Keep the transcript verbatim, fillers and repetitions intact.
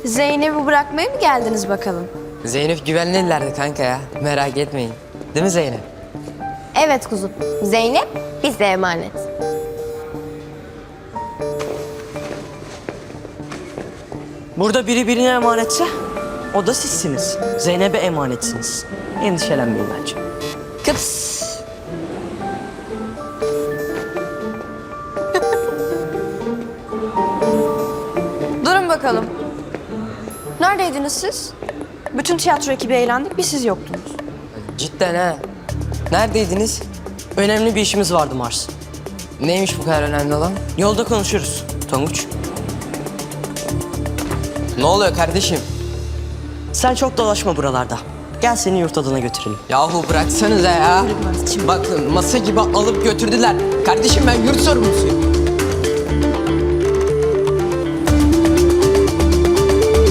Zeynep'i bırakmaya mı geldiniz bakalım? Zeynep güvenlilerdi kanka ya. Merak etmeyin. Değil mi Zeynep? Evet kuzum. Zeynep bize emanet. Burada biri birine emanetse o da sizsiniz. Zeynep'e emanetsiniz. Endişelenmeyin bence. Kıps. Durun bakalım. Neredeydiniz siz? Bütün tiyatro ekibi eğlendik, bir siz yoktunuz. Cidden ha. Neredeydiniz? Önemli bir işimiz vardı Mars. Neymiş bu kadar önemli olan? Yolda konuşuruz Tonguç. Ne oluyor kardeşim? Sen çok dolaşma buralarda. Gel seni yurt adına götürelim. Yahu bıraksanıza ya. Bakın masa gibi alıp götürdüler. Kardeşim ben yurt sorumlusuyum.